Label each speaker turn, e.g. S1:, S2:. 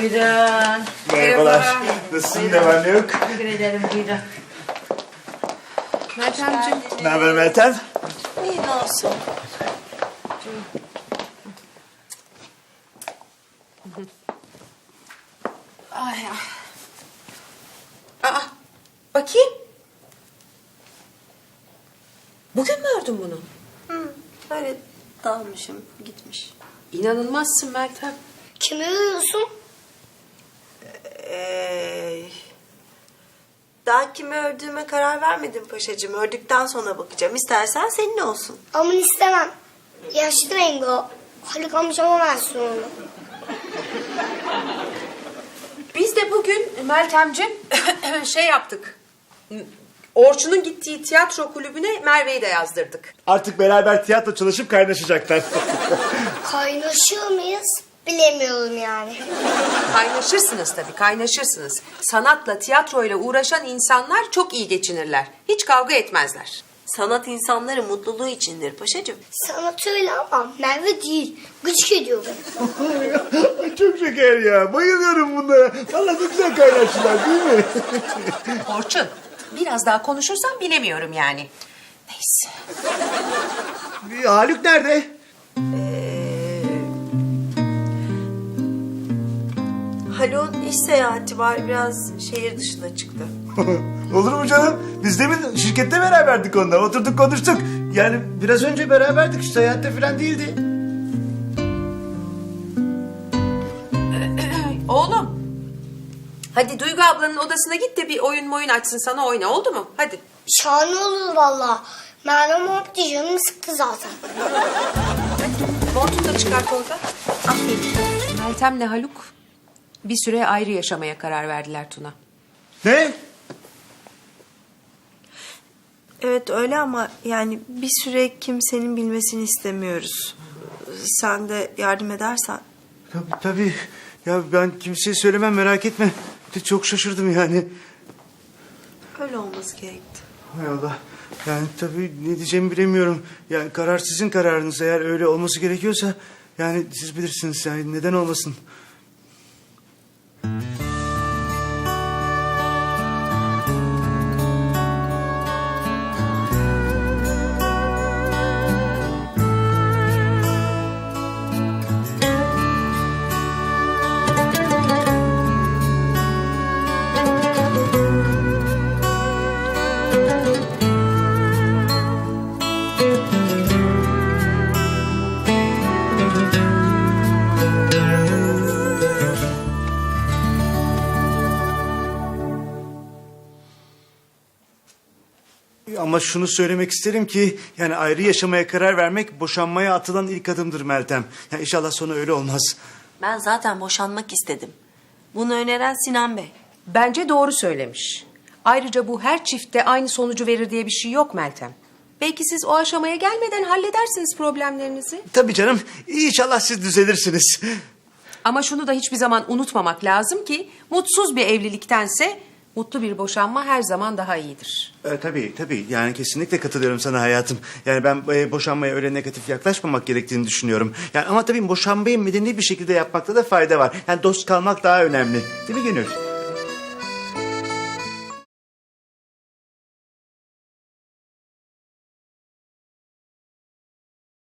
S1: Buyurun.
S2: Merhabalar. Nasılsın, ne var ne yok?
S1: Teşekkür ederim, buyurun.
S3: Meltemciğim.
S2: Ne haber Meltem?
S3: İyi ne olsun. Ay ya. Aa, bakayım. Bugün mü ördün bunu?
S4: Öyle dalmışım, gitmiş.
S3: İnanılmazsın Meltem.
S5: Kimi uyuyorsun?
S4: Daha kimi ördüğüme karar vermedim paşacığım. Ördükten sonra bakacağım. İstersen senin olsun.
S5: Aman istemem. Yaşlı rengi o. Haluk amcama versin onu.
S3: Biz de bugün Meltemciğim şey yaptık. Orçun'un gittiği tiyatro kulübüne Merve'yi de yazdırdık.
S2: Artık beraber tiyatro çalışıp kaynaşacaklar.
S5: Kaynaşıyor muyuz? Bilemiyorum yani.
S3: Kaynaşırsınız tabii, kaynaşırsınız. Sanatla, tiyatroyla uğraşan insanlar çok iyi geçinirler. Hiç kavga etmezler.
S4: Sanat insanların mutluluğu içindir paşacığım.
S5: Sanat öyle ama Merve değil. Gıcık ediyor beni.
S2: Çok şeker ya. Bayılıyorum bunlara. Vallahi ne güzel kaynaştılar değil mi?
S3: Orçun, biraz daha konuşursan bilemiyorum yani. Neyse.
S2: Haluk nerede?
S4: Haluk'un iş seyahati var. Biraz şehir dışına çıktı.
S2: Olur mu canım? Biz de mi şirkette beraberdik onunla. Oturduk konuştuk. Yani biraz önce beraberdik. Şu seyahatte falan değildi.
S3: Oğlum, hadi Duygu ablanın odasına git de bir oyun açsın sana oyna, oldu mu? Hadi.
S5: Şahane olur valla. Merve muhabbeti canımı sıktı zaten.
S3: Montunu da çıkart orada. Aferin. Meltem'le Haluk bir süre ayrı yaşamaya karar verdiler Tuna.
S2: Ne?
S4: Evet öyle ama yani bir süre kimsenin bilmesini istemiyoruz. Sen de yardım edersen.
S2: Tabii tabii. Ya ben kimseye söylemem, merak etme. Çok şaşırdım yani.
S4: Öyle olması gerekti.
S2: Hay Allah. Yani tabii ne diyeceğimi bilemiyorum. Yani karar sizin kararınız. Eğer öyle olması gerekiyorsa yani siz bilirsiniz. Yani neden olmasın? Ama şunu söylemek isterim ki yani ayrı yaşamaya karar vermek boşanmaya atılan ilk adımdır Meltem. Yani inşallah sonu öyle olmaz.
S4: Ben zaten boşanmak istedim. Bunu öneren Sinan Bey.
S3: Bence doğru söylemiş. Ayrıca bu her çiftte aynı sonucu verir diye bir şey yok Meltem. Belki siz o aşamaya gelmeden halledersiniz problemlerinizi.
S2: Tabii canım. İnşallah siz düzelirsiniz.
S3: Ama şunu da hiçbir zaman unutmamak lazım ki mutsuz bir evliliktense mutlu bir boşanma her zaman daha iyidir.
S2: Tabii. Yani kesinlikle katılıyorum sana hayatım. Yani ben boşanmaya öyle negatif yaklaşmamak gerektiğini düşünüyorum. Yani ama tabii boşanmayı medeni bir şekilde yapmakta da fayda var. Yani dost kalmak daha önemli. Değil mi Gönül?